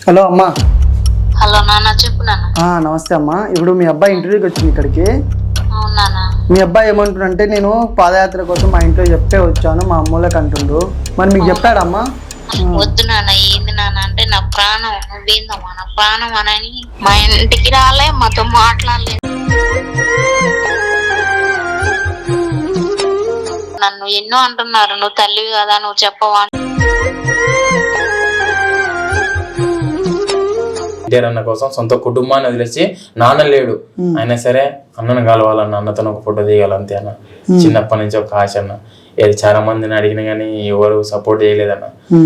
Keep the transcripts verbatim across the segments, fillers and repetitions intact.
Hello అమ్మా. Hello నాన్న, చెప్పు నాన్న. నమస్తే అమ్మా. ఇప్పుడు మీ అబ్బాయి ఇంటర్వ్యూకి వచ్చింది ఇక్కడికి. అవునా? మీ అబ్బాయి ఏమంటుండంటే నేను పాదయాత్ర కోసం మా ఇంట్లో చెప్తే వచ్చాను, మా అమ్మోళ్ళకి అంటుండు. మరి మీకు చెప్పాడమ్మా? వద్దు నాన్న, ఏంది నాన్న అంటే నా ప్రాణం, నువ్వేందమ్మా నా ప్రాణం అని మా ఇంటికి రాలే, మాతో మాట్లాడలేదు. నన్ను ఎన్నో అంటున్నారు, నువ్వు తల్లివి కదా, నువ్వు చెప్పవా. ఎన్టీఆర్ అన్న కోసం సొంత కుటుంబాన్ని వదిలేసి నాన్న లేడు అయినా సరే అన్నను కలవాలన్న, అన్నతో ఒక ఫోటో దిగాలి అంతే అన్న. చిన్నప్పటి నుంచి ఒక ఆశ అన్న. ఏది చాలా మందిని అడిగిన కానీ ఎవరు సపోర్ట్ చేయలేదన్న.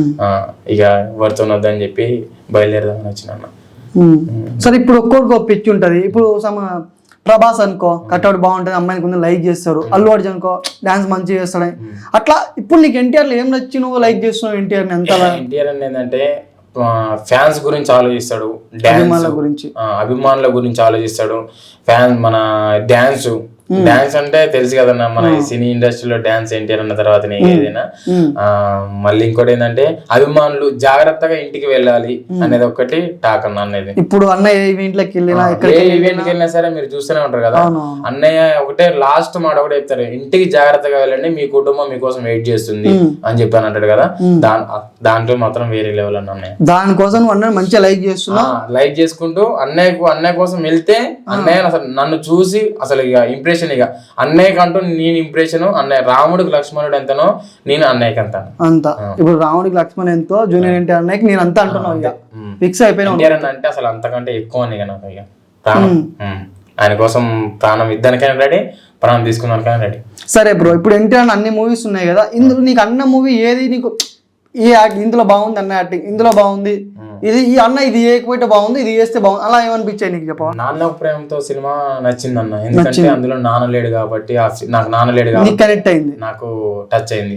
ఇక ఎవరితో వద్దని చెప్పి బయలుదేరదామని వచ్చిన అన్న. సరే, ఇప్పుడు ఒక్కొక్కరికి ఒక పిచ్చి ఉంటది. ఇప్పుడు సమ ప్రభాస్ అనుకో కట్అవుట్ బాగుంటుంది, అమ్మాయిని కొంచెం లైక్ చేస్తారు. అల్లు అర్జున్ అనుకో డాన్స్ మంచిగా చేస్తాడని. అట్లా ఇప్పుడు నీకు ఎన్టీఆర్ లో ఏం నచ్చి నువ్వు లైక్ చేస్తున్నావు ఎన్టీఆర్ ని? ఎంత ఎన్టీఆర్ అని ఏంటంటే ఫ్యాన్స్ గురించి ఆలోచిస్తాడు, అభిమానుల గురించి అభిమానుల గురించి ఆలోచిస్తాడు. ఫ్యాన్ మన డ్యాన్స్ డాన్స్ అంటే తెలుసు కదన్నా, మన సినీ ఇండస్ట్రీలో డాన్స్ ఎన్టీఆర్ అన్న తర్వాత ఏదైనా. ఆ మళ్ళీ ఇంకోటి ఏంటంటే అభిమానులు జాగ్రత్తగా ఇంటికి వెళ్ళాలి అనేది ఒకటి టాక్ అన్న. అనేది ఇప్పుడు అన్నయ్య ఈవెంట్లోకి వెళ్ళినా ఏ ఈవెంట్కి వెళ్ళినా సరే మీరు చూస్తూనే ఉంటారు కదా, అన్నయ్య ఒకటే లాస్ట్ మాట ఒకటే చెప్తారు, ఇంటికి జాగ్రత్తగా వెళ్ళండి, మీ కుటుంబం మీకోసం వెయిట్ చేస్తుంది అని చెప్పాను అంటాడు కదా. దా దాంట్లో మాత్రం వేరే లెవెల్ అన్న అన్నయ్య. దానికోసం అన్నయ్య మంచిగా లైక్ చేస్తున్నా, లైక్ చేసుకుంటూ అన్నయ్యకు అన్నయ్య కోసం వెళ్తే అన్నయ్య అసలు నన్ను చూసి అసలు ఇక ఇంప్రెషన్, ఇక అన్నయ్యకి అంటూ నేను ఇంప్రెషన్. అన్నయ్య రాముడికి లక్ష్మణుడు ఎంతనో నేను అన్నయ్యకి అంత అంత. ఇప్పుడు రాముడికి లక్ష్మణ్ ఎంతో జూనియర్ ఎన్టీఆర్ అన్నయ్యకి నేను అంత అంటున్నాను, ఫిక్స్ అయిపోయినా. ఎన్టీఆర్ అంటే అసలు అంతకంటే ఎక్కువ ఇక నాకు ఇక ప్రాణం. ఆయన కోసం ప్రాణం ఇద్దరికైనా రెడీ, ప్రాణం తీసుకున్నానికైనా రెడీ. సరే బ్రో, ఇప్పుడు ఎన్టీఆర్ అన్ని మూవీస్ ఉన్నాయి కదా, ఇందులో నీకు అన్న మూవీ ఏది నీకు ఈ ఇందులో బాగుంది అన్న యాక్టింగ్, ఇందులో బాగుంది, ఇది ఈ అన్న ఇది చేయకపోతే బాగుంది, ఇది చేస్తే బాగుంది, అలా ఏమనిపించాయి నీకు చెప్పవా? నాన్న ప్రేమతో సినిమా నచ్చింది అన్న, ఎందుకంటే అందులో నాన్న లేడు కాబట్టి, నాకు నాన్న లేడు కాబట్టి కనెక్ట్ అయింది, నాకు టచ్ అయింది.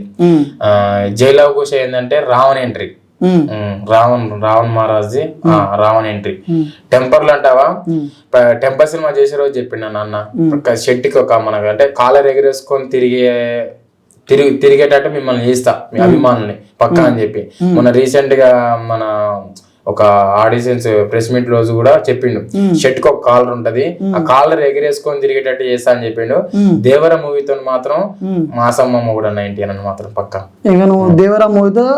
జైలవ్ కుష ఏంటంటే రావణ్ ఎంట్రీ, రావణ్ రావణ్ మహారాజ్ రావణ్ ఎంట్రీ. టెంపర్లు అంటావా, టెంపర్ సినిమా చేసే రోజు చెప్పిండు నాన్న, షెట్టికి ఒక మనకు అంటే కాలర్ ఎగరేసుకొని తిరిగే తిరిగి తిరిగేటట్టు మిమ్మల్ని చేస్తా మీ అభిమానుల్ని పక్కా అని చెప్పి మొన్న రీసెంట్ గా మన ఒక ఆడిషన్స్ ప్రెస్ మీట్ రోజు కూడా చెప్పిండు, షర్ట్ కి ఒక కాలర్ ఉంటది, ఆ కాలర్ ఎగిరేసుకొని తిరిగేటట్టు చేస్తా అని చెప్పిండు. దేవర మూవీతో మాత్రం మాసమ్మ కూడా నైన్టీ అని మాత్రం పక్కా. దేవర మూవీతో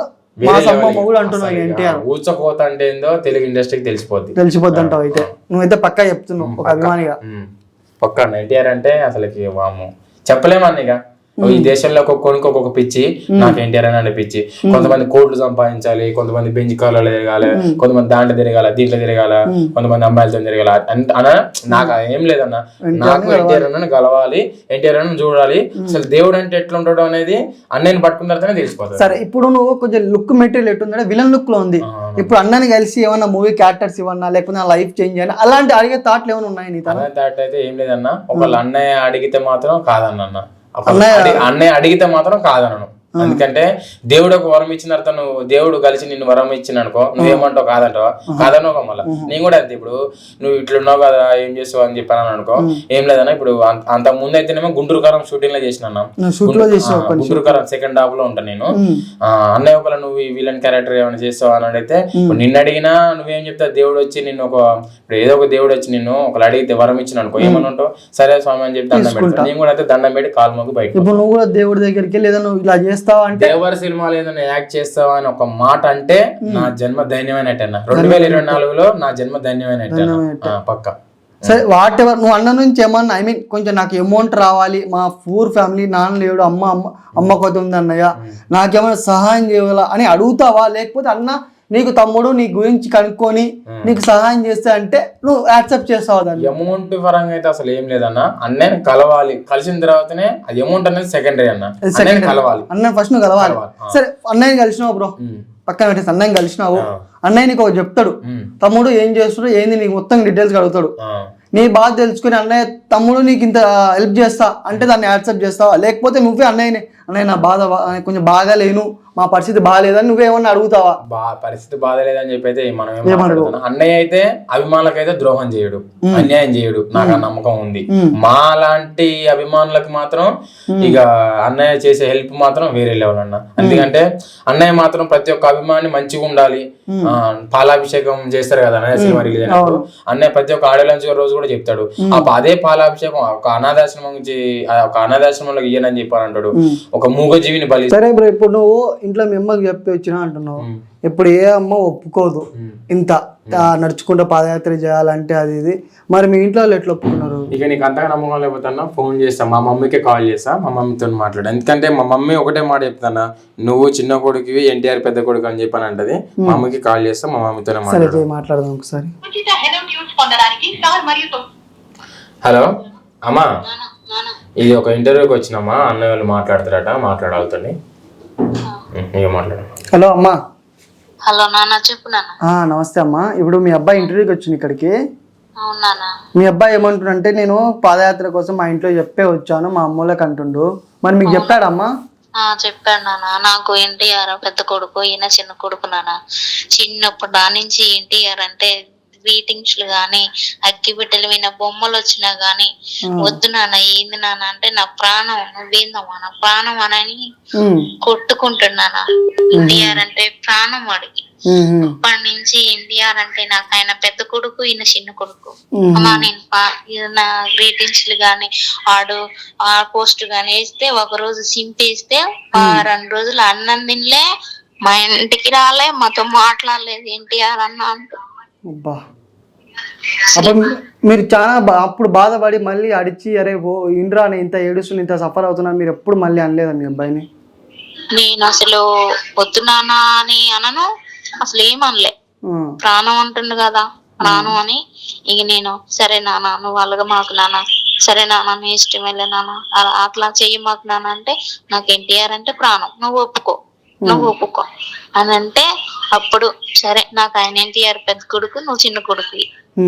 ఊచకోత అంటే ఏందో తెలుగు ఇండస్ట్రీకి తెలిసిపోద్ది తెలిసిపోద్ది అంటావు. అయితే నువ్వైతే పక్కా చెప్తున్నావు ఒక అభిమానిగా. పక్కా ఎన్టీఆర్ అంటే అసలుకి వాము చెప్పలేమన్న. ఇక ఈ దేశంలో ఒక్కొక్కరికి ఒక్కొక్క పిచ్చి, నాకు ఎన్టీఆర్ అని పిచ్చి. కొంతమంది కోట్లు సంపాదించాలి, కొంతమంది బెంచ్ కార్లలో తిరగాలి, కొంతమంది దాంట్లో తిరగాల, దీంట్లో తిరగాల, కొంతమంది అమ్మాయిలతో తిరగాల అన్న. నాకు ఏం లేదన్న, నాకు ఎన్టీఆర్ అన్న కలవాలి, ఎన్టీఆర్ అన్న చూడాలి. అసలు దేవుడు అంటే ఎట్లుంటాడు అనేది అన్నయ్యని పట్టుకున్న తర్వాతనే తెలిసిపోతుంది. సరే, ఇప్పుడు నువ్వు కొంచెం లుక్ మెటీరియల్ ఎట్టుందంటే విలన్ లుక్ లో ఉంది. ఇప్పుడు అన్నని కలిసి ఏమన్నా మూవీ క్యారెక్టర్స్ ఇవ్వన్నా, లేకపోతే లైఫ్ చేంజ్ చేయాలి, అలాంటి అడిగే థాట్లు ఏమైనా ఉన్నాయి నీ? థాట్ అయితే ఏం లేదన్న. ఒకళ్ళ అన్నయ్య అడిగితే మాత్రం కాదన్న, అన్నయ్య అడిగితే మాత్రం కాదనను. ఎందుకంటే దేవుడు ఒక వరం ఇచ్చిన తర్వాత నువ్వు దేవుడు కలిసి నిన్ను వరం ఇచ్చిన అనుకో, నువ్వేమంటావు కాదంటావా? కాదనో మళ్ళీ నేను కూడా అంతే. ఇప్పుడు నువ్వు ఇట్లున్నావు కదా, ఏం చేస్తావు అని చెప్పాను అనుకో, ఏం లేదన్నా. ఇప్పుడు అంత ముందు అయితేనేమో గుంటూరు కారం షూటింగ్ లో చేసిన, గుంటూరు కారం సెకండ్ హాఫ్ లో ఉంటాను నేను. అన్నయ్య ఒకవేళ నువ్వు విలన్ క్యారెక్టర్ ఏమైనా చేస్తావు అని అడిగితే, నిన్ను అడిగినా నువ్వేం చెప్తావు? దేవుడు వచ్చి నిన్ను ఒక ఇప్పుడు ఏదో ఒక దేవుడు వచ్చి నిన్ను ఒకళ్ళు అడిగితే వరం ఇచ్చిన అనుకో, ఏమని ఉంటావు? సరే స్వామి అని చెప్పి దండం పెడతాను. నేను కూడా అయితే దండం పెట్టి కాలు మొగ్గు బయట. ఇప్పుడు నువ్వు కూడా దేవుడి దగ్గరికి లేదా నువ్వు ఇలా దేవర సినిమాలో ఏదైనా యాక్ట్ చేస్తావా అని ఒక మాట అంటే నా జన్మ ధన్యమైనట్టన్న. రెండు వేల ఇరవై నాలుగులో నా జన్మ ధన్యమైనట్టు పక్క. సరే, వాట్ ఎవర్ నువ్వు అన్న నుంచి ఏమన్నా, ఐ మీన్ కొంచెం నాకు అమౌంట్ రావాలి, మా పూర్ ఫ్యామిలీ, నాన్న లేడు, అమ్మ అమ్మ అమ్మ కొత్త ఉంది అన్నయ్య, నాకేమైనా సహాయం చేయాలా అని అడుగుతావా? లేకపోతే అన్న నీకు తమ్ముడు నీ గురించి కనుక్కొని నీకు సహాయం చేస్తా అంటే నువ్వు యాక్సెప్ట్ చేస్తావు? దాన్ని అమౌంట్ పరంగా అయితే అసలు ఏం లేదన్న. అన్నయ్యని కలవాలి, కలిసిన తర్వాతనే అది అమౌంట్ అనేది సెకండరీ అన్న. కలవాలి అన్న, ఫస్ట్ నువ్వు కలవాలి. సరే, అన్నయ్యని కలిసినావు బ్రో, పక్కన పెట్టేసి అన్నయ్యని కలిసినావు. అన్నయ్య నీకు ఒక చెప్తాడు, తమ్ముడు ఏం చేస్తాడు ఏంది నీకు మొత్తం డీటెయిల్స్ అడుగుతాడు. నీ బాధ తెలుసుకుని అన్నయ్య తమ్ముడు నీకు ఇంత హెల్ప్ చేస్తా అంటే దాన్ని యాక్సెప్ట్ చేస్తావా? లేకపోతే నువ్వే అన్నయ్యని అన్నయ్య నా బాధ బా- కొంచెం బాగాలేను, మా పరిస్థితి బాగాలేదని నువ్వేమన్నా అడుగుతావా? బా పరిస్థితి బాధలేదని చెప్పి అయితే మనం ఏం మాట్లాడుతున్నాం. అన్నయ్య అయితే అభిమానులకైతే ద్రోహం చేయడు, అన్యాయం చేయడు, నాకు ఆ నమ్మకం ఉంది. మా లాంటి అభిమానులకు మాత్రం ఇక అన్నయ్య చేసే హెల్ప్ మాత్రం వేరే లెవెల్ అన్న. ఎందుకంటే అన్నయ్య మాత్రం ప్రతి ఒక్క అభిమాని మంచిగా ఉండాలి. ఆ పాలాభిషేకం చేస్తారు కదా అన్నయ్య సినిమా రిలీజ్ అయినప్పుడు, అన్నయ్య ప్రతి ఒక్క ఆడియో లాంచ్ రోజు కూడా చెప్తాడు, ఆ అదే పాలాభిషేకం ఒక అనాథాశ్రమం నుంచి ఒక అనాథాశ్రమంలో ఇయ్యనని చెప్పాను అంటాడు, ఒక మూగజీవిని బలి. సరే బ్రో, ఇప్పుడు నువ్వు ఇంట్లో మీ అమ్మకి చెప్పి వచ్చినా అంటున్నావు, ఇప్పుడు ఏ అమ్మ ఒప్పుకోదు ఇంత ఆ, నడుచుకుంటూ పాదయాత్ర చేయాలంటే అది ఇది, మరి మీ ఇంట్లో వాళ్ళు ఎట్లా ఒప్పుకున్నారు? ఇక నీకు అంతగా నమ్మకం లేకపోతున్నా ఫోన్ చేస్తా, మా మమ్మీకే కాల్ చేస్తా, మా మమ్మీతో మాట్లాడు. ఎందుకంటే మా మమ్మీ ఒకటే మాట చెప్తానా, నువ్వు చిన్న కొడుకువి ఎన్టీఆర్ పెద్ద కొడుకు అని చెప్పని అంటది. మా మమ్మీకి కాల్ చేస్తా, మా మమ్మీతోనే మాట్లాడు. మాట్లాడదాం ఒకసారి. హలో అమ్మా, ఇది ఒక ఇంటర్వ్యూకి వచ్చినమ్మా, అన్నయ్య వాళ్ళు మాట్లాడతారట, మాట్లాడాలని ఇక మాట్లాడు. హలో అమ్మా. హలో నాన్న, చెప్పు నాన్న. ఆ, నమస్తే అమ్మా. ఇప్పుడు మీ అబ్బాయి ఇంటర్వ్యూకి వచ్చింది ఇక్కడికి. అవునా? మీ అబ్బాయి ఏమంటుండంటే నేను పాదయాత్ర కోసం మా ఇంట్లో చెప్పే వచ్చాను మా అమ్మోళ్ళకి అంటుండు, మరి మీకు చెప్పాడమ్మా? ఆ చెప్పాడు నాన్న. నాకు ఎన్టీఆర్ పెద్ద కొడుకు, ఈయన చిన్న కొడుకు నాన్న. చిన్నప్పుడు దా నుంచి ఎన్టీఆర్ అంటే గ్రీటింగ్స్ గానీ, అగ్గి బిడ్డలు విన బొమ్మలు వచ్చినా గానీ వద్దు నాన్న, ఏంది నాన్న అంటే నా ప్రాణం, నువ్వేందమ్మా నా ప్రాణం అని కొట్టుకుంటున్నానా. ఎన్టీఆర్ అంటే ప్రాణం వాడికి. అప్పటి నుంచి ఎన్టీఆర్ అంటే నాకు ఆయన పెద్ద కొడుకు, ఈయన చిన్న కొడుకు. అమ్మా నేను నా గ్రీటింగ్స్ గానీ, ఆడు ఆ పోస్ట్ గానీ వేస్తే ఒక రోజు సింపేస్తే రెండు రోజులు అన్నం తినలే, మా ఇంటికి రాలే, మాతో మాట్లాడలేదు ఎన్టీఆర్ అన్న అంటూ. అబ్బా, అప్పుడు మీరు చాలా బా అప్పుడు బాధపడి మళ్ళీ అడిచి అరే ఓ ఇంద్రా నేను ఇంత ఏడుస్తున్నా, ఇంత సఫర్ అవుతున్నా, మీరు ఎప్పుడు మళ్ళీ అనలేదా మీ అబ్బాయిని? నేను అసలు వద్దునానా అని అనను, అసలు ఏమనలే. ప్రాణం అంటుండు కదా, ప్రాణం అని ఇక నేను సరే నాన్న నువ్వు అలాగా మాకు నాన్న, సరే నాన్న నీ ఇష్టం వెళ్ళే నాన్న, అట్లా చెయ్యి మాకు నాన్న అంటే, నాకు ఎన్టీఆర్ అంటే ప్రాణం, నువ్వు ఒప్పుకో నువ్వు ఒప్పుకో అని అంటే, అప్పుడు సరే నాకు ఆయన ఎన్టీఆర్ పెద్ద కొడుకు, నువ్వు చిన్న కొడుకు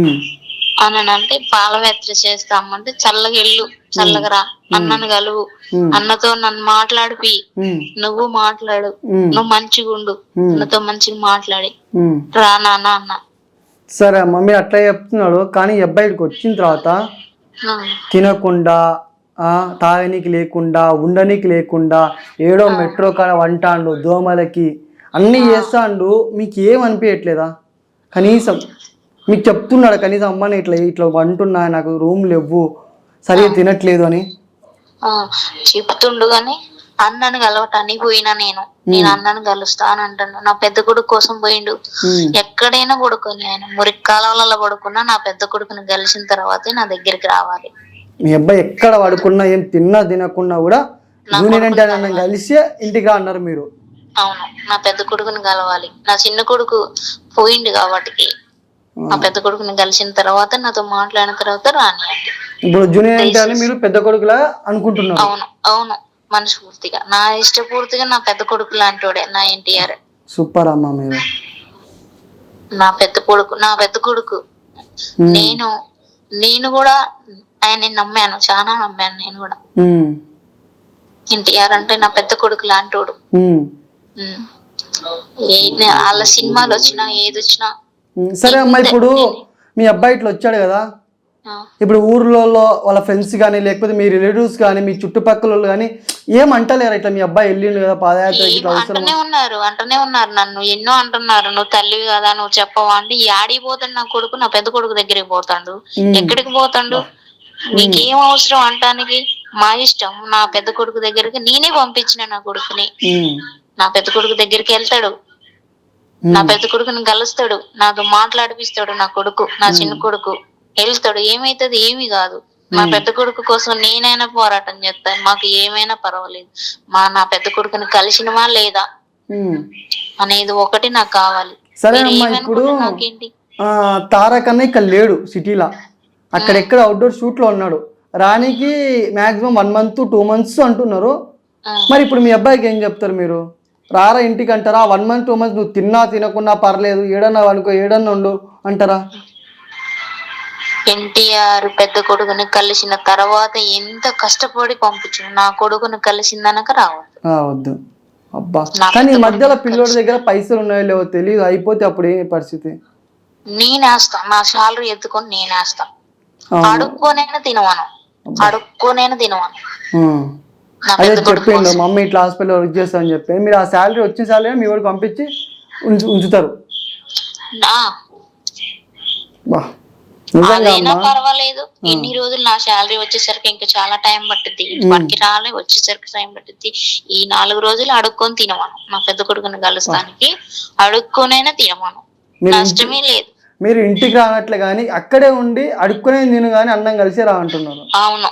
అని అంటే పాలయాత్ర చేస్తామంటే చల్లగా వెళ్ళు, చల్లగా రా, అన్నను కలువు, అన్నతో నన్ను మాట్లాడిపి, నువ్వు మాట్లాడు, నువ్వు మంచిగా ఉండు, అన్నతో మంచిగా మాట్లాడి రా నాన్న అన్న. సరే అమ్మ, మీరు అట్లా చెప్తున్నాడు, కానీ ఈ అబ్బాయికి వచ్చిన తర్వాత తినకుండా తాగనీకి లేకుండా ఉండనీకి లేకుండా ఏడో మెట్రో కాడ వంటాండు, దోమలకి అన్నీ చేస్తాండు, మీకు ఏమనిపించట్లేదా? కనీసం మీకు చెప్తున్నాడు కనీసం అమ్మని ఇట్లా ఇట్లా వంటున్నా, నాకు రూమ్ లేవు, సరిగ్గా తినట్లేదు అని చెప్తుండు. గాని అన్నను కలవటానికి పోయినా నేను నేను అన్నను కలుస్తా అని అంటాను. నా పెద్ద కొడుకు కోసం పోయిండు. ఎక్కడైనా పడుకొని ఆయన మురికి కాలంలో పడుకున్నా నా పెద్ద కొడుకుని కలిసిన తర్వాతే నా దగ్గరికి రావాలి. మీ అబ్బాయి ఎక్కడ పడుకున్నా, ఏం తిన్నా తినకున్నా కూడా జూనియర్ ఎన్టీఆర్ అన్న కలిసి ఇంటికి అన్నారు మీరు. అవును, నా పెద్ద కొడుకుని కలవాలి. నా చిన్న కొడుకు పోయిండు కాబట్టి నా పెద్ద కొడుకుని కలిసిన తర్వాత నాతో మాట్లాడిన తర్వాత రాని. ఇప్పుడు జూనియర్ ఎన్టీఆర్ మీరు పెద్ద కొడుకులా అనుకుంటున్నారు? అవును అవును, మనస్ఫూర్తిగా నా ఇష్టపూర్తిగా నా పెద్ద కొడుకు లాంటోడే నా ఎన్టీఆర్. సూపర్ అమ్మ, మీరు నా పెద్ద కొడుకు నా పెద్ద కొడుకు నేను నేను కూడా ఆయన నమ్మాను, చాలా నమ్మాను నేను కూడా. ఎన్టీఆర్ అంటే నా పెద్ద కొడుకు లాంటోడు. వాళ్ళ సినిమాలు వచ్చినా ఏది వచ్చినా. సరే అమ్మా, ఇప్పుడు మీ అబ్బాయి ఇట్లా వచ్చాడు కదా, ఇప్పుడు ఊర్లలో వాళ్ళ ఫ్రెండ్స్ కానీ లేకపోతే మీ రిలేటివ్స్ కానీ మీ చుట్టుపక్కల కానీ ఏమంటలేరు ఇట్లా మీ అబ్బాయి వెళ్ళిండు కదా పాదయాత్రకి? అంటనే ఉన్నారు అంటనే ఉన్నారు నన్ను ఎన్నో అంటున్నారు, నువ్వు తల్లివి కదా నువ్వు చెప్పవా అంటే, ఆడికి పోతాడు నా కొడుకు, నా పెద్ద కొడుకు దగ్గరికి పోతాడు. ఎక్కడికి పోతాడు, నీకేం అవసరం అంటానికి, మా ఇష్టం. నా పెద్ద కొడుకు దగ్గరికి నేనే పంపించిన నా కొడుకుని, నా పెద్ద కొడుకు దగ్గరికి వెళ్తాడు, నా పెద్ద కొడుకుని కలుస్తాడు, నాతో మాట్లాడిపిస్తాడు. నా కొడుకు నా చిన్న కొడుకు వెళ్తాడు, ఏమైతుంది ఏమి కాదు. మా పెద్ద కొడుకు కోసం నేనైనా పోరాటం చేస్తాను, మాకు ఏమైనా పర్వాలేదు. మా నా పెద్ద కొడుకుని కలిసినవా లేదా అనేది ఒకటి నాకు కావాలి. సరే అమ్మా, ఇప్పుడు నాకేంటి తారకన్న ఇక్కడ లేడు సిటీలో, అక్కడెక్కడ అవుట్డోర్ షూట్ లో ఉన్నాడు, రానికి maximum one month two months అంటున్నారు. మరి ఇప్పుడు మీ అబ్బాయికి ఏం చెప్తారు మీరు? రారా ఇంటికి అంటారా? వన్ మంత్ టూ మంత్స్ నువ్వు తిన్నా తినకున్నా పర్లేదు, ఏడన్నా అనుకో ఏడన్నా ఉండు అంటారా? ఎన్టీఆర్ పెద్ద కొడుకుని కలిసిన తర్వాత ఎంత కష్టపడి పంపించు, నా కొడుకుని కలిసిందనక రావద్దు. వద్దు అబ్బా. కానీ ఈ మధ్యలో పిల్లోడి దగ్గర పైసలు ఉన్నాయో లేవో తెలియదు, అయిపోతే అప్పుడు ఏ పరిస్థితి? నేనేస్తా, నా శాలరీ ఎత్తుకొని నేనేస్తా. అడుక్కోనైనా తినవాను, అడుక్కోనైనా తినవాను. అదే చెప్పిండు మమ్మీ ఇట్లా హాస్పిటల్ వర్క్ చేస్తా అని చెప్పి, మీరు ఆ శాలరీ వచ్చిన శాలరీ మీ వాడికి పంపించి ఉంచు ఉంచుతారు. అదైనా పర్వాలేదు, ఇన్ని రోజులు నా శాలరీ వచ్చేసరికి ఇంకా చాలా టైం పట్టుద్ది, మనకి రాలే వచ్చేసరికి టైం పట్టుద్ది. ఈ నాలుగు రోజులు అడుక్కొని తినవాను, నా పెద్ద కొడుకుని కలుస్తానికి అడుక్కోనైనా తినవాను, నష్టమే లేదు. మీరు ఇంటికి రానట్లే గానీ అక్కడే ఉండి అడుక్కునే నేను గానీ అన్నం కలిసి రా అంటున్నారు. అవును,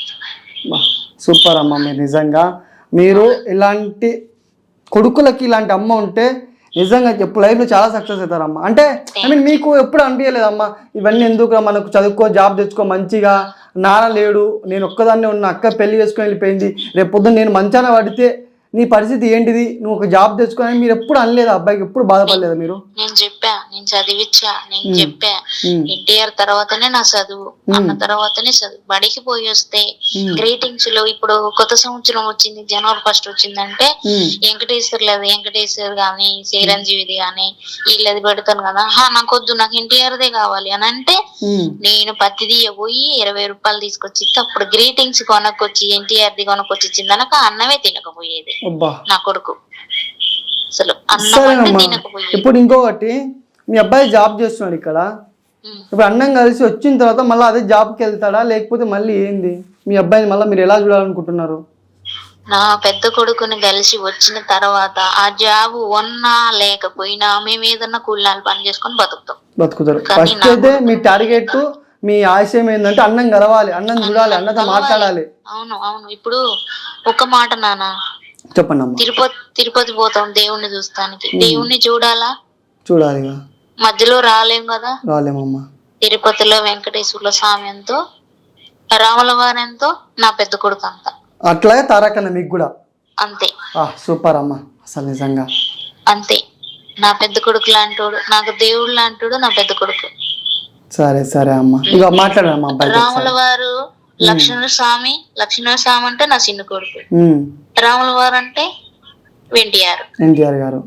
సూపర్ అమ్మ. మీరు నిజంగా మీరు ఇలాంటి కొడుకులకి ఇలాంటి అమ్మ ఉంటే నిజంగా ఎప్పుడు లైఫ్లో చాలా సక్సెస్ అవుతారమ్మా. అంటే ఐ మీన్ మీకు ఎప్పుడు అనిపించలేదమ్మా ఇవన్నీ ఎందుకు, మనకు చదువుకో జాబ్ తెచ్చుకో మంచిగా, నాన్న లేడు, నేను ఒక్కదాన్నే ఉన్న, అక్క పెళ్లి చేసుకొని వెళ్ళిపోయింది, రేపు పొద్దున్న నేను మంచాన పడితే నీ పరిస్థితి ఏంటిది, నువ్వు ఒక జాబ్ తెచ్చుకొని మీరు ఎప్పుడు అనలేదు అబ్బాయికి, ఎప్పుడు బాధపడలేదు మీరు? నేను చెప్పా, నేను చదివిచ్చా, నేను చెప్పా ఎన్టీఆర్ తర్వాతనే నా చదువు, అన్న తర్వాతనే చదువు. బడికి పోయి వస్తే గ్రీటింగ్స్ లో ఇప్పుడు కొత్త సంవత్సరం వచ్చింది, జనవరి ఫస్ట్ వచ్చిందంటే వెంకటేశ్వర్ లేదు, వెంకటేశ్వర్ గాని చిరంజీవిది గాని వీళ్ళది పెడతాను కదా, హా నాకు వద్దు, నాకు ఎన్టీఆర్దే కావాలి అని అంటే నేను పత్తి తీయబోయి ఇరవై రూపాయలు తీసుకొచ్చి అప్పుడు గ్రీటింగ్స్ కొనకొచ్చి ఎన్టీఆర్ది కొనకొచ్చి ఇచ్చిందనక అన్నమే తినకపోయేది నా కొడుకు. అసలు ఇప్పుడు ఇంకొకటి, మీ అబ్బాయి జాబ్ చేస్తున్నాడు ఇక్కడ, ఇప్పుడు అన్నం కలిసి వచ్చిన తర్వాత మళ్ళీ అదే జాబ్కి వెళ్తాడా లేకపోతే మళ్ళీ ఏంది? మీ అబ్బాయిని మళ్ళీ మీరు ఎలా చూడాలనుకుంటున్నారు? నా పెద్ద కొడుకుని కలిసి వచ్చిన తర్వాత ఆ జాబ్ ఉన్నా లేకపోయినా మేము ఏదన్నా కూలినాలు పని చేసుకొని బతుకుతాం, బతుకుతారు. ఫస్ట్ అయితే మీ టార్గెట్, మీ ఆశయం ఏంటంటే అన్నం కలవాలి, అన్నం చూడాలి, అన్నతో మాట్లాడాలి. అవును అవును. ఇప్పుడు ఒక మాట నాన్న, చెప్పండి అమ్మా. తిరుపతి తిరుపతి పోతాం దేవుణ్ణి చూస్తానికి, దేవుణ్ణి చూడాలా, చూడాలి, మధ్యలో రాలేం కదా, రాలేమమ్మా. తిరుపతిలో వెంకటేశ్వర్ల స్వామి ఎంతో, రాముల వారు ఎంతో, నా పెద్ద కొడుకు అంత, అట్లాగే తారకన్న మీకు కూడా అంతే. సూపర్ అమ్మా, అసలు నిజంగా అంతే. నా పెద్ద కొడుకు లాంటోడు, నాకు దేవుడు లాంటోడు నా పెద్ద కొడుకు. సరే సరే అమ్మా, ఇక మాట్లాడమ్మా. రాముల వారు లక్ష్మణ స్వామి, లక్ష్మణ స్వామి అంటే నా చిన్న కొడుకు, రాముల వారు అంటే ఎన్టీఆర్ ఎన్టీఆర్ గారు.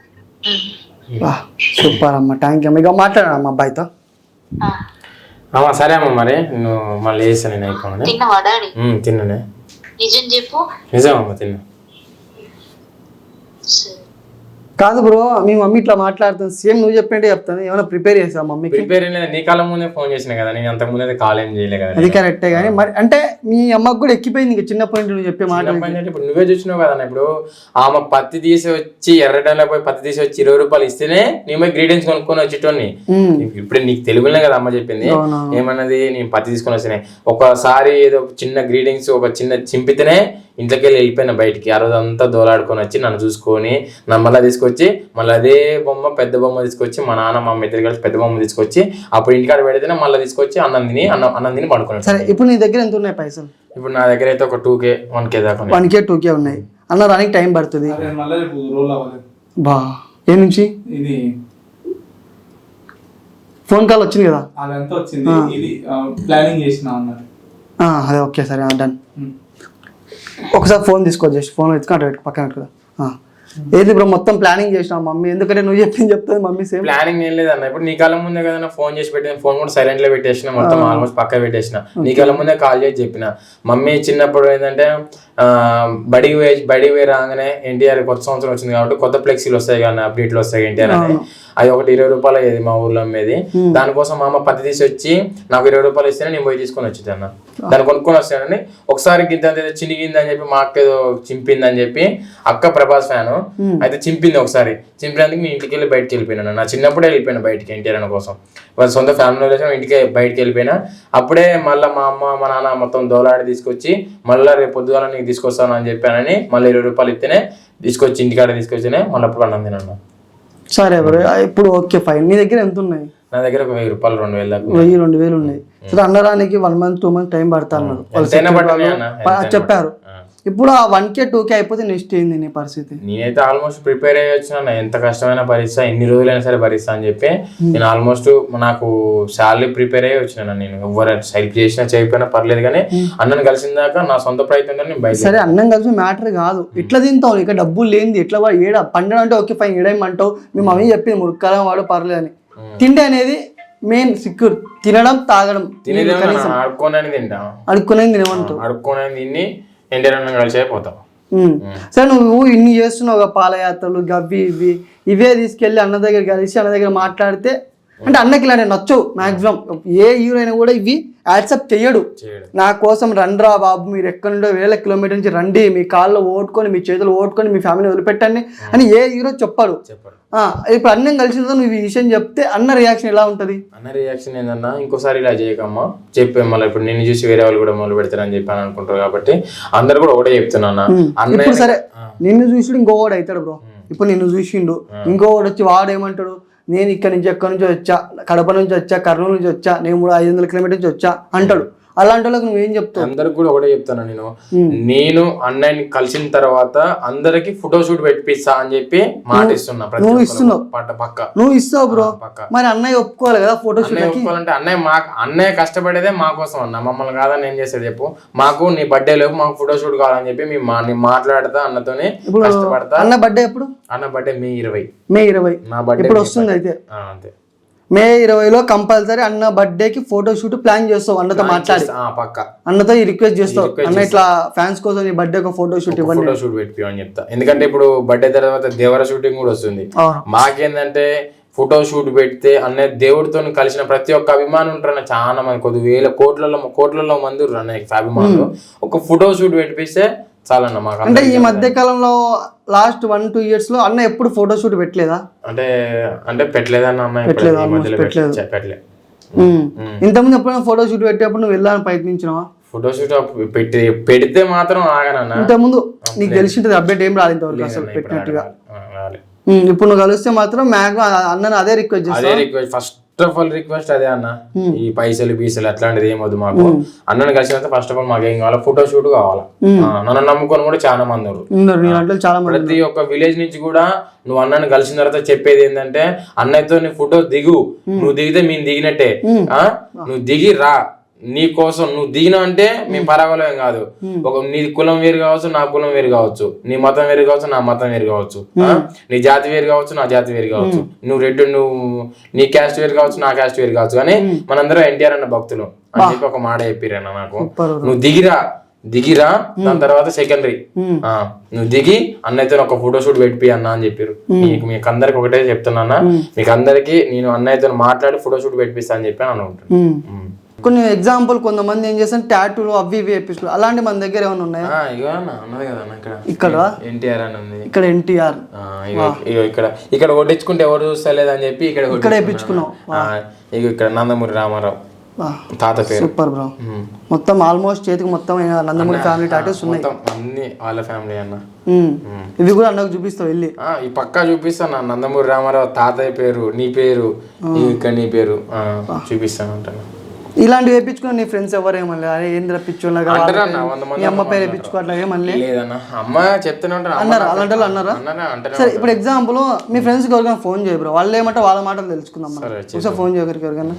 సూపర్ అమ్మా, థ్యాంక్ యూ. ఇక మాట్లాడమ్మా అబ్బాయితో. అమ్మా సరే అమ్మ, మరి నేను మళ్ళీ వేసాను, నేను అయిపోయాను. తిన్నావా డాడీ? తిన్నానే. నిజం చెప్పు. నిజం అమ్మ, తిన్నా. కాదు బ్రో, మీ మమ్మీ ఇట్లా మాట్లాడుతుంది, సేమ్ నువ్వు చెప్పినట్టే చెప్తాను. ఏమైనా ప్రిపేర్ చేసావు మమ్మీ? ప్రిపేర్ నీ కాలం ముందే ఫోన్ చేసిన కదా, నేను అంతకు ముందే కాల్ ఏం చేయలే కదా. అది కరెక్టే, కానీ మరి అంటే మీ అమ్మకు కూడా ఎక్కిపోయింది ఇంకా చిన్నప్పటి నుంచి నువ్వు చెప్పే మాట. ఇప్పుడు నువ్వే చూసినావు కదా, ఇప్పుడు ఆమె పత్తి తీసి వచ్చి ఎర్రటంలో పోయి పత్తి తీసి వచ్చి ఇరవై రూపాయలు ఇస్తేనే నేను గ్రీడెన్స్ కొనుక్కొని వచ్చేటోని. ఇప్పుడు నీకు తెలుగులే కదా అమ్మ చెప్పింది, ఏమన్నది, నేను పత్తి తీసుకొని వస్తేనే ఒకసారి ఏదో చిన్న గ్రీడింగ్స్ ఒక చిన్న చింపితేనే ఇంట్లోకి వెళ్ళి వెళ్ళిపోయిన బయటికి. ఆ రోజు అంతా దోలాడుకొని వచ్చి నన్ను చూసుకొని నా మళ్ళీ తీసుకొచ్చి మళ్ళీ అదే బొమ్మ పెద్ద బొమ్మ తీసుకొచ్చి మా నాన్న మా ఇద్దరు కలిసి పెద్ద బొమ్మ తీసుకొచ్చి అప్పుడు ఇంటికాడ పెడితేనే మళ్ళీ తీసుకొచ్చి అన్నం తిని అన్నం అన్నం తిని పడుకున్నాను. సరే, ఇప్పుడు నీ దగ్గర ఎంత ఉన్నాయి పైసలు? ఇప్పుడు నా దగ్గర అయితే ఒక టూ కే వన్ కే దాకా వన్ కే టూ కే ఉన్నాయి అన్న. దానికి టైం పడుతుంది బా. ఏ నుంచి ఇది ఫోన్ కాల్ వచ్చింది కదా, అదంతా వచ్చింది, ఇది ప్లానింగ్ చేసిన అన్నారు. అదే ఓకే సరే డన్. ఒకసారి ఫోన్ తీసుకో, జస్ట్ ఫోన్ ఎత్తుకుంటా పక్కన పెట్టుకో. ఏది బ్రో మొత్తం ప్లానింగ్ చేసినా మమ్మీ, ఎందుకంటే నువ్వు చెప్పింది చెప్తుంది మమ్మీ. సేమ్ ప్లానింగ్ ఏం లేదన్న, ఇప్పుడు నీ కాలం ముందే కదా ఫోన్ చేసి పెట్టిన, ఫోన్ కూడా సైలెంట్ లో పెట్టేసిన, మొత్తం ఆల్మోస్ట్ పక్క పెట్టేసిన. నీ కాలం ముందే కాల్ చేసి చెప్పిన. మమ్మీ చిన్నప్పుడు ఏంటంటే బడికి పోయి బడికి పోయి రాగానే ఎన్టీఆర్ కొత్త సంవత్సరం వచ్చింది కాబట్టి కొత్త ఫ్లెక్సీలు వస్తాయి కానీ అప్డేట్లు వస్తాయి ఎన్టీఆర్ అని, అది ఒకటి ఇరవై రూపాయలు అయ్యేది మా ఊర్లో అమ్మేది. దానికోసం మా అమ్మ పత్తి తీసి వచ్చి నాకు ఇరవై రూపాయలు ఇస్తేనే నేను పోయి తీసుకొని వచ్చేది అన్న. దాన్ని కొనుక్కొని వస్తానని ఒకసారి గింత చినిగింది అని చెప్పి మా అక్క ఏదో చింపింది అని చెప్పి, అక్క ప్రభాస్ ఫ్యాను అయితే చింపింది ఒకసారి. చింపినందుకు నేను ఇంటికి వెళ్ళి బయటకు వెళ్ళిపోయినా. నా చిన్నప్పుడే వెళ్ళిపోయినా బయటికి ఎన్టీఆర్ అన్న కోసం, వాళ్ళ సొంత ఫ్యామిలీ ఇంటికి బయటకు వెళ్ళిపోయినా. అప్పుడే మళ్ళీ మా అమ్మ మా నాన్న మొత్తం దోలాడి తీసుకొచ్చి మళ్ళీ రేపు పొద్దుగాల నీకు తీసుకొస్తాను అని చెప్పానని మళ్ళీ ఇరవై రూపాయలు ఇస్తేనే తీసుకొచ్చి ఇంటికాడ తీసుకొచ్చినే మళ్ళీ అప్పుడు అన్నం తినన్నా. సరే బ్రో, ఇప్పుడు ఓకే ఫైన్. మీ దగ్గర ఎంత ఉన్నాయి? నా దగ్గర ఒక వెయ్యి రూపాయలు రెండు వేలు దాకా వెయ్యి రెండు వేలు ఉన్నాయి. సరే, అన్నరానికి one month two month time పడతా అన్నారు, చెప్పారు. ఇప్పుడు ఆ వన్ కే టూ కే అయిపోతే నెక్స్ట్ ఏంది నీ పరిస్థితి? నేనైతే ఆల్మోస్ట్ ప్రిపేర్ అయ్యి వచ్చిన, ఎంత కష్టమైన భరిస్తా, ఎన్ని రోజులైనా సరే భరిస్తా అని చెప్పి నేను ఆల్మోస్ట్ నాకు శాలరీ ప్రిపేర్ అయ్యి వచ్చిన. నేను ఎవరు హెల్ప్ చేసినా చేయకపోయినా పర్లేదు, కానీ అన్నను కలిసిన దాకా నా సొంత ప్రయత్నంతో నేను బయట. సరే అన్నం కలిసి మ్యాటర్ కాదు, ఎట్లా తింటావు? ఇక డబ్బులు లేనిది ఎట్లా ఏడ పండడం అంటే ఓకే ఫైన్, ఏడేమంటావు? మీ మమ్మీ చెప్పింది మురుక్కాలం వాడు పర్లేదు అని. తిండి అనేది మెయిన్ సిక్యూర్, తినడం తాగడం. అడుక్కోనని తింటా, అడుక్కునేది తినమంటావు, అడుక్కోనని తిని ఎంటర్టైన్మెంట్ కలిసి అయిపోతాం. సరే నువ్వు ఇన్ని చేస్తున్నావు, పాదయాత్రలు గవ్వి ఇవి ఇవే తీసుకెళ్ళి అన్న దగ్గర కలిసి అన్న దగ్గర మాట్లాడితే, అంటే అన్నకి ఇలాంటి నచ్చవు మాక్సిమం. ఏ హీరో అయినా కూడా ఇవి యాక్సెప్ట్ చెయ్యడు. నా కోసం రండ్రా బాబు, మీరు ఎక్కడి నుండో వేల కిలోమీటర్ నుంచి రండి, మీ కాళ్ళు ఓటుకొని మీ చేతులు ఓటుకొని మీ ఫ్యామిలీ వదిలిపెట్టండి అని ఏ హీరో చెప్పాడు. ఇప్పుడు అన్నం కలిసిన తర్వాత నువ్వు ఈ విషయం చెప్తే అన్న రియాక్షన్ ఎలా ఉంటది? అన్న రియాక్షన్ ఏంటన్నా, ఇంకోసారి ఇలా చేయకమ్మా చెప్పే, మళ్ళీ ఇప్పుడు నిన్ను చూసి వేరే వాళ్ళు కూడా మొదలు పెడతారని చెప్పాను అనుకుంటారు. కాబట్టి అందరు కూడా ఒకటే చెప్తున్నా. ఇప్పుడు సరే నిన్ను చూసి ఇంకోవాడు అవుతాడు బ్రో. ఇప్పుడు నిన్ను చూసిండు, ఇంకోవాడు వచ్చి వాడు ఏమంటాడు, నేను ఇక్కడ నుంచి ఎక్కడి నుంచి వచ్చా, కడప నుంచి వచ్చా, కర్నూలు నుంచి వచ్చా, నేను మూడు ఐదు వందల కిలోమీటర్ నుంచి వచ్చా అంటాడు. అలాంటి వాళ్ళకి నువ్వేం చెప్తావు? అందరికి కూడా ఒకటే చెప్తాను నేను, నేను అన్నయ్యని కలిసిన తర్వాత అందరికి ఫోటో షూట్ పెట్టిస్తా అని చెప్పి మాట ఇస్తున్నా. నువ్వు ఇస్తున్నావు, పక్క నువ్వు ఇస్తావు బ్రో. మరి అన్నయ్య ఒప్పుకోవాలి కదా ఫోటో షూట్ ఒప్పుకోవాలంటే. అన్నయ్య మా అన్నయ్య కష్టపడేదే మా కోసం అన్న, మమ్మల్ని కాదని ఏం చేసేది చెప్పు. మాకు నీ బర్త్డే లేపు మాకు ఫోటో షూట్ కావాలని చెప్పి మేము మాట్లాడతా అన్నతోనే కష్టపడతా. అన్న బర్త్డే ఎప్పుడు? అన్న బర్త్డే మే ఇరవై. మే ఇరవై నా బర్త్డే ఇప్పుడు వస్తుంది. అయితే అంతే, మే ఇరవైలో కంపల్సరీ అన్న బర్త్డే కి ఫోటో షూట్ ప్లాన్ చేస్తావు, అన్నతో మాట్లాడి పక్క అన్నతో ఈ రిక్వెస్ట్ చేస్తావు, అన్న ఇట్లా ఫ్యాన్స్ కోసం ఈ బర్త్డే ఒక ఫోటో షూట్ ఇవ్వండి, ఫోటో షూట్ పెట్టి అని చెప్తా. ఎందుకంటే ఇప్పుడు బర్త్డే తర్వాత దేవర షూటింగ్ కూడా వస్తుంది. మాకేందంటే ఫోటో షూట్ పెడితే అన్నయ్య దేవుడితో కలిసిన ప్రతి ఒక్క అభిమానం ఉంటారు, చాలా మంది కొద్ది వేల కోట్లలో కోట్లలో మంది అన్నయ్య అభిమానులు. ఒక ఫోటో షూట్ పెట్టిస్తే చాలన్న మాకు. అంటే ఈ మధ్య కాలంలో లాస్ట్ వన్ టూ ఇయర్స్ లో అన్న ఎప్పుడు ఫోటో షూట్ పెట్టలేదా? అంటే అంటే పెట్టలేదన్న అన్న, పెట్టలేదు. ఇంతకుముందు ఎప్పుడైనా ఫోటో షూట్ పెట్టేప్పుడు నువ్వు వెళ్ళాలని ప్రయత్నించినావా? ఫోటో షూట్ పెట్టి పెడితే మాత్రం ఆగనన్న. ఇంతకుముందు నీకు తెలిసింటది అప్డేట్ ఏం రాలేదు ఇంతవరకు అసలు పెట్టినట్టుగా. ఇప్పుడు నువ్వు కలిస్తే మాత్రం మ్యాక్సిమం అన్న అదే రిక్వెస్ట్ చేస్తా. అదే request, first of all request అదే అన్న, ఈ పైసలు పీసలు అట్లాంటిది ఏమొద్దు మాకు. అన్నని కలిసినంత ఫస్ట్ ఆఫ్ ఆల్ మాకు ఏం కావాలి, ఫోటో షూట్ కావాలా. నన్ను నమ్ముకొని కూడా చాలా మంది ఉన్నారు, చాలా మంది. ప్రతి ఒక్క విలేజ్ నుంచి కూడా నువ్వు అన్నని కలిసిన తర్వాత చెప్పేది ఏంటంటే, అన్నయ్యతో నీ ఫోటో దిగు, నువ్వు దిగితే మేము దిగినట్టే, ఆ నువ్వు దిగి రా, నీ కోసం నువ్వు దిగిన అంటే మేము పరాగలం కాదు. ఒక నీ కులం వేరు కావచ్చు, నా కులం వేరు కావచ్చు, నీ మతం వేరు కావచ్చు, నా మతం వేరు కావచ్చు, నీ జాతి వేరు కావచ్చు, నా జాతి వేరు కావచ్చు, నువ్వు రెడ్డి నువ్వు నీ క్యాస్ట్ వేరు కావచ్చు, నా క్యాస్ట్ వేరు కావచ్చు, కానీ మనందరం ఎన్టీఆర్ అన్న భక్తులు అని చెప్పి ఒక మాట చెప్పిరన్న నాకు. నువ్వు దిగిరా దిగిరా దాని తర్వాత సెకండరీ నువ్వు దిగి అన్నయ్యతో ఒక ఫోటో షూట్ పెట్టిపి అన్న అని చెప్పారు. మీకు మీకు అందరికి ఒకటే చెప్తున్నా, మీకు అందరికి నేను అన్నయ్యతో మాట్లాడి ఫోటో షూట్ పెట్టిస్తా అని చెప్పి అని అనుకుంటాను. కొన్ని ఎగ్జాంపుల్ కొంతమంది ఏం చేస్తారు టాటూలు అవి ఇవి వేపిస్తారు, అలాంటి మన దగ్గర ఏమైనా ఉన్నాయా? ఇక్కడ ఎన్టీఆర్ అని ఉంది, ఇక్కడ ఎన్టీఆర్ ఇక్కడ ఇక్కడ కొట్టించుకుంటే ఎవరు చూస్తలేదు అని చెప్పి ఇక్కడ ఇక్కడ వేపించుకున్నాం. ఇక ఇక్కడ నందమూరి రామారావు తాత పేరు. Super bro. మొత్తం ఆల్మోస్ట్ చేతికి మొత్తం నందమూరి ఫ్యామిలీ టాటూస్ ఉన్నాయి, అన్ని వాళ్ళ ఫ్యామిలీ అన్న. ఇవి కూడా అన్నకు చూపిస్తావు వెళ్ళి? ఈ పక్కా చూపిస్తాను, నందమూరి రామారావు తాతయ్య పేరు, నీ పేరు, ఇక్కడ నీ పేరు చూపిస్తాను అంటాను. ఇలాంటివి వేయించుకుని నీ ఫ్రెండ్స్ ఎవరేమన్నా అరే ఏంద్ర పిచ్చోళ్ళగా మీ అమ్మ పేరు వేయించుకోవట్లా ఏమన్నా అమ్మ చెప్తూనే ఉంటారు అన్నారా? అలాంటి వాళ్ళు అన్నారా? సరే ఇప్పుడు ఎగ్జాంపుల్ మీ ఫ్రెండ్స్ ఎవరికైనా ఫోన్ చేయ బ్రో, వాళ్ళు ఏమంటే వాళ్ళ మాటలు తెలుసుకుందాం. ఒకసారి ఫోన్ చేయగలిగి ఎవరికైనా.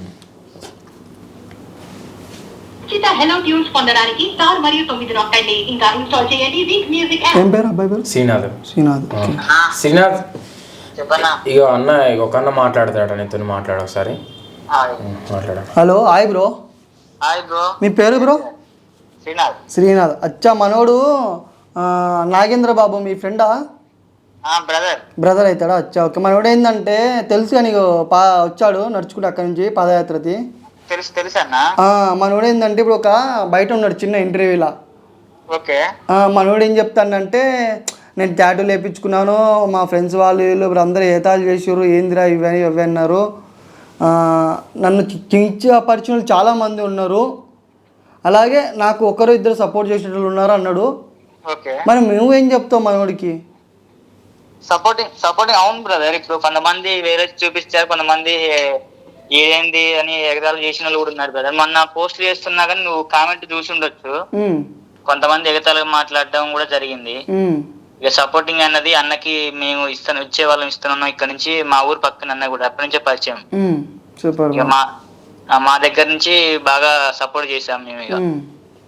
హలో ట్యూన్స్ పొందడానికి స్టార్ మరియు తొమ్మిది నొక్కండి, ఇంకా ఇన్స్టాల్ చేయండి వీక్ మ్యూజిక్ యాప్. ఏం పేరు అబ్బాయి పేరు? శ్రీనాథ్. శ్రీనాథ్ శ్రీనాథ్ ఇగో అన్న ఒక అన్న మాట్లాడతాడు, నీతో మాట్లాడు ఒకసారి. Hello hi bro. Hi bro. మీ పేరు బ్రో? శ్రీనాథ్. శ్రీనాథ్. అచ్చా మనోడు నాగేంద్ర బాబు మీ ఫ్రెండా? బ్రదర్. బ్రదర్ అవుతాడా? అచ్చా ఓకే. మనోడు ఏంటంటే తెలుసు కానీ పా వచ్చాడు నడుచుకుంటే అక్కడి నుంచి పాదయాత్రది. తెలుసు తెలుసు అన్న. మనోడు ఏంటంటే ఇప్పుడు ఒక బయట ఉన్నాడు చిన్న ఇంటర్వ్యూలా. ఓకే. మనోడు ఏం చెప్తానంటే నేను టాటూ లేపించుకున్నాను, మా ఫ్రెండ్స్ వాళ్ళు వీళ్ళు ఇప్పుడు అందరూ ఏతాలు చేసారు, ఏందిరా ఇవన్నీ ఇవి అన్నారు, నన్ను కించపరిచిన వాళ్ళు చాలామంది ఉన్నారు, అలాగే నాకు ఒకరు ఇద్దరు సపోర్ట్ చేసిన వాళ్ళు ఉన్నారు అన్నాడు. మరి నువ్వేం చెప్తావు మనోడికి? సపోర్టింగ్ సపోర్టింగ్ అవును బ్రదర్. ఇప్పుడు కొంతమంది వేరే చూపిస్తారు, కొంతమంది ఏదేంది అని ఎగదాలు చేసిన వాళ్ళు కూడా ఉన్నారు బ్రదర్. మొన్న పోస్ట్ చేస్తున్నా కానీ నువ్వు కామెంట్ చూసి ఉండొచ్చు. కొంతమంది ఎగతాళిగా మాట్లాడడం కూడా జరిగింది. ఉమ్, ఇక సపోర్టింగ్ అన్నది అన్నకి మేము ఇస్తాను ఇచ్చే వాళ్ళం ఇస్తున్నాం. ఇక్కడ నుంచి మా ఊరు పక్కన అన్న కూడా అప్పటి నుంచే పరిచయం. ఉమ్, సూపర్ ఇక బ్రో. మా ఆ, మా దగ్గర నుంచి బాగా సపోర్ట్ చేసాం మేము. ఇక ఉమ్.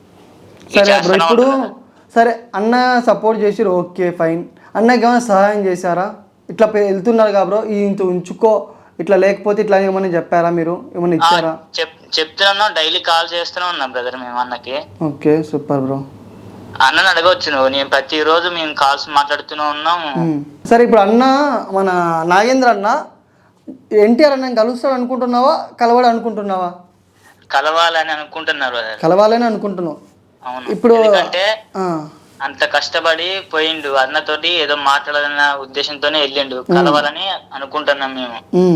ఇక సరే బ్రో, చేస్తూనే ఇప్పుడు ఉంటాం. సరే అన్న సపోర్ట్ చేసిరు, ఓకే ఫైన్. అన్నకి ఏమైనా సహాయం చేశారా? ఇట్లా పె- వెళ్తున్నారు కదా బ్రో, ఈ ఇంత ఉంచుకో, ఇట్లా లేకపోతే ఇట్లా ఏమైనా చెప్పారా మీరు? ఏమైనా ఆ, ఇచ్చారా? చెప్ చెప్తున్నాను, డైలీ కాల్ చేస్తూనే ఉన్నాం బ్రదర్ మేము అన్నకి. Okay super bro. అన్నని అడగవచ్చు నువ్వు, నేను ప్రతి రోజు మేము కాల్స్ మాట్లాడుతూనే ఉన్నాం. ఉమ్. సరే ఇప్పుడు అన్న మన నాగేంద్ర అన్న ఎన్టీఆర్ అన్న కలుస్తాడు అనుకుంటున్నావా, కలవాడు అనుకుంటున్నావా? కలవాలని అనుకుంటున్నారు బ్రదర్. కలవాలని అనుకుంటున్నావు. అవును, ఇప్పుడు ఎందుకంటే ఆ, అంత కష్టపడి పోయిండు అన్నతోటి, ఏదో మాట్లాడాలన్న ఉద్దేశంతోనే వెళ్ళిండు. కలవాలని అనుకుంటున్నాం మేము. ఉమ్.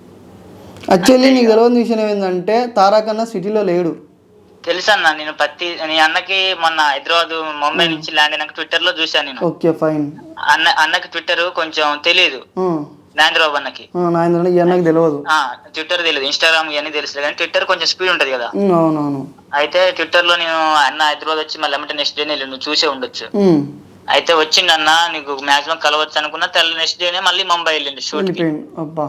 యాక్చువల్లీ నీకు తెలియని విషయం ఏంటంటే తారక్ అన్న సిటీలో లేడు. తెలుసన్న, నేను ప్రతి నీ అన్నకి మొన్న హైదరాబాద్ ముంబై నుంచి ల్యాండ్ అయినాక ట్విట్టర్ లో చూశాను నేను. Okay fine. అన్న అన్నకి ట్విట్టర్ కొంచెం తెలియదు, నాగేంద్రబాబు అన్నకి. నాగేంద్ర ఈ అన్నకి తెలియదు. ఆ ట్విట్టర్ తెలియదు, ఇన్స్టాగ్రామ్ ఇవన్నీ తెలుసు కానీ ట్విట్టర్ కొంచెం స్పీడ్ ఉంటది కదా. ఉమ్, అవునవును. అయితే ట్విట్టర్ లో నేను అన్న హైదరాబాద్ వచ్చి మళ్ళీ ఏమంటే నెక్స్ట్ డేనే నువ్వు చూసే ఉండొచ్చు. ఉమ్, అయితే వచ్చిండు అన్న, నీకు మాక్సిమం కలవచ్చు అనుకున్నా, తెల్ల నెక్స్ట్ డేనే మళ్ళీ ముంబై వెళ్ళిండు షూట్ కి. వెళ్ళిపోయింది. అబ్బా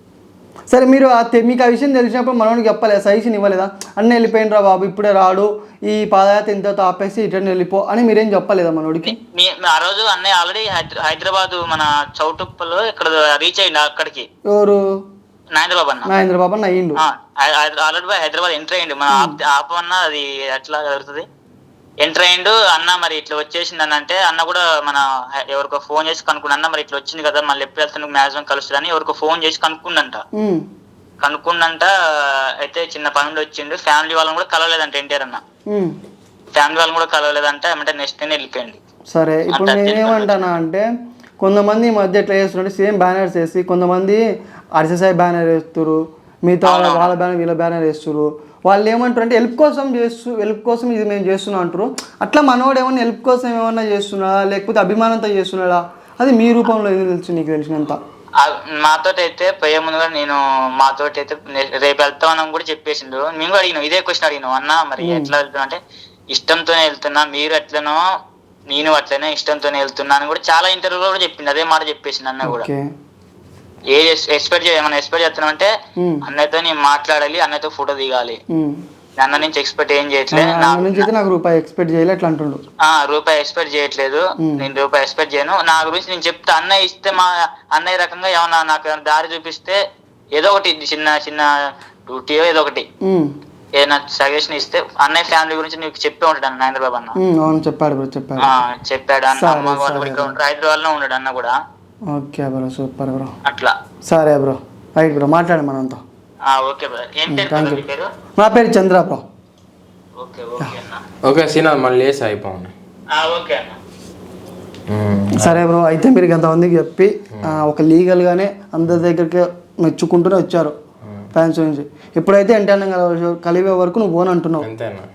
సరే, మీరు ఆ తె- మీకు ఆ విషయం తెలిసినప్పుడు మనోడికి చెప్పలేదా, సజెషన్ ఇవ్వలేదా? అన్న వెళ్ళిపోయినరా బాబు, ఇప్పుడే రాడు, ఈ పాదయాత్ర ఇంత ఆపేసి రిటర్న్ వెళ్ళిపో అని మీరేం చెప్పలేదా మనోడికి? మీ మీ- ఆ రోజు అన్నయ్య ఆల్రెడీ హైదరాబాద్ మన చౌటుప్పలో ఇక్కడ రీచ్ అయ్యిండు అక్కడికి. ఎవరు? నాగేంద్రబాబు అన్న నాగేంద్ర బాబు అన్న అయ్యిండు. ఆల్రెడీ హైదరాబాద్ ఎంటర్ అయ్యిండు. మన ఆప్- ఆపమన్నా అది ఎట్లా జరుగుతుంది, ఎంటర్ అయ్యిండు అన్న. మరి ఇట్లా వచ్చేసింది అని అంటే అన్న కూడా మన హై- ఎవరికో ఫోన్ చేసి కనుక్కున్నా, అన్న మరి ఇట్లా వచ్చింది కదా, మళ్ళీ ఎప్పుడు వెళ్తాను మాక్సిమం కలుస్తుందని ఎవరికో ఫోన్ చేసి కనుక్కుండంట. ఉమ్, కనుక్కుండంట. అయితే చిన్న పనులు వచ్చిండు, ఫ్యామిలీ వాళ్ళని కూడా కలవలేదంట ఎన్టీఆర్ అన్న. ఉమ్. ఫ్యామిలీ వాళ్ళని కూడా కలవలేదంట, ఏమంటే నెక్స్ట్ డే వెళ్ళిపోయింది. సరే, ఇప్పుడు నేనేమంటానా అంటే కొంతమంది ఈ మధ్య ఎట్లా చేస్తున్నారంటే సేమ్ బ్యానర్స్ వేసి, కొంతమంది అర్ససాయి బ్యానర్ వేస్తారు, మిగతా వాళ్ళ వాళ్ళ బ్యానర్ వీళ్ళ బ్యానర్ వేస్తారు. వాళ్ళు ఏమంటారు అంటే హెల్ప్ కోసం చేస్తూ హెల్ప్ కోసం ఇది మేము చేస్తున్నాం అంటారు. అట్లా మనోడు ఏమన్నా హెల్ప్ కోసం ఏమన్నా చేస్తున్నాడా, లేకపోతే అభిమానంతో చేస్తున్నాడా? అది మీ రూపంలో ఏదో తెలుసు నీకు తెలిసినంత. మాతోటి అయితే పోయే ముందుగా నేను మాతోటి అయితే రేపు వెళ్తామని కూడా చెప్పేసిండు. మేము కూడా అడిగినాం, ఇదే క్వశ్చన్ అడిగినాం, అన్న మరి ఎట్లా వెళ్తున్నా అంటే ఇష్టంతోనే వెళ్తున్నా, మీరు ఎట్లనో నేను అట్లనే ఇష్టంతోనే వెళ్తున్నా అని కూడా చాలా ఇంటర్వ్యూలో కూడా చెప్పింది, అదే మాట చెప్పేసింది అన్న కూడా. ఏ ఎక్స్పెక్ట్ ఏమైనా ఎక్స్పెక్ట్ చేస్తున్నాం అంటే అన్నయ్యతో నేను మాట్లాడాలి, అన్నయ్యతో ఫోటో దిగాలి. అన్న నుంచి ఎక్స్పెక్ట్ ఏం చేయట్లేదు, నాకు రూపాయి ఎక్స్పెక్ట్ చేయలేదు అట్లా అంటుండు. ఆ రూపాయి ఎక్స్పెక్ట్ చేయట్లేదు, నేను రూపాయి ఎక్స్పెక్ట్ చేయను. నా గురించి నేను చెప్తా, అన్నయ్య ఇస్తే మా అన్నయ్య రకంగా ఏమన్నా నాకు ఏమైనా దారి చూపిస్తే ఏదో ఒకటి చిన్న చిన్న డ్యూటీ ఏదో ఒకటి ఏదైనా సజెషన్ ఇస్తే అన్నయ్య ఫ్యామిలీ గురించి నీకు చెప్పే ఉంటాడు అన్న నాగేంద్రబాబు అన్న. చెప్పాడు చెప్పాడు చెప్పాడు అన్న. అమ్మ వాళ్ళు ఇక్కడ ఉంటారు, హైదరాబాద్ లో ఉన్నాడు అన్న కూడా. Okay bro, super bro. అట్లా. సరే బ్రో, రైట్ బ్రో, మాట్లాడు మనంతా. Okay brother. ఏం పేరు పేరు? నా పేరు చంద్ర బ్రో. ఓకే ఓకే అన్న. ఓకే సీనా, మళ్ళీ వేసి అయిపోయింది. ఓకే అన్న. సరే బ్రో, అయితే మీరు కొంతమందికి చెప్పి ఒక లీగల్గానే అందరి దగ్గరికి మెచ్చుకుంటూనే వచ్చారు ఫ్యాన్స్ నుంచి. ఎప్పుడైతే ఎన్టీఆర్ కలివే వరకు నువ్వు ఓన్ అంటున్నావు,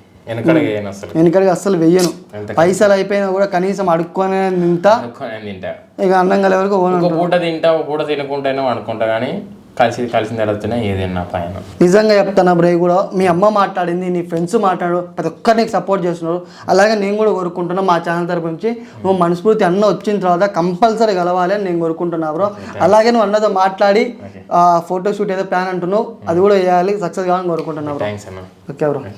వెనకడికి అస్సలు వెయ్యను. పైసలు అయిపోయినా కూడా కనీసం అడుక్కొని తింటా, ఇక అన్నం కలిగే వరకు ఓన్. ఒక పూట తింటా, ఒక పూట తినకుంటేనే అనుకుంటా, కానీ కలిసి కలిసిన తర్వాత ఏదైనా పైన. నిజంగా చెప్తాను బ్రో, కూడా మీ అమ్మ మాట్లాడింది, నీ ఫ్రెండ్స్ మాట్లాడు, ప్రతి ఒక్కరు నీకు సపోర్ట్ చేస్తున్నారు. అలాగే నేను కూడా కోరుకుంటున్నా మా ఛానల్ తరపు నుంచి నువ్వు మనస్ఫూర్తి అన్న వచ్చిన తర్వాత కంపల్సరీ కలవాలి అని నేను కోరుకుంటున్నా బ్రో. అలాగే నువ్వు అన్నతో మాట్లాడి ఫోటో షూట్ ఏదో ప్లాన్ అంటున్నావు, అది కూడా వేయాలి, సక్సెస్ కావాలని కోరుకుంటున్నా బ్రో. Okay bro.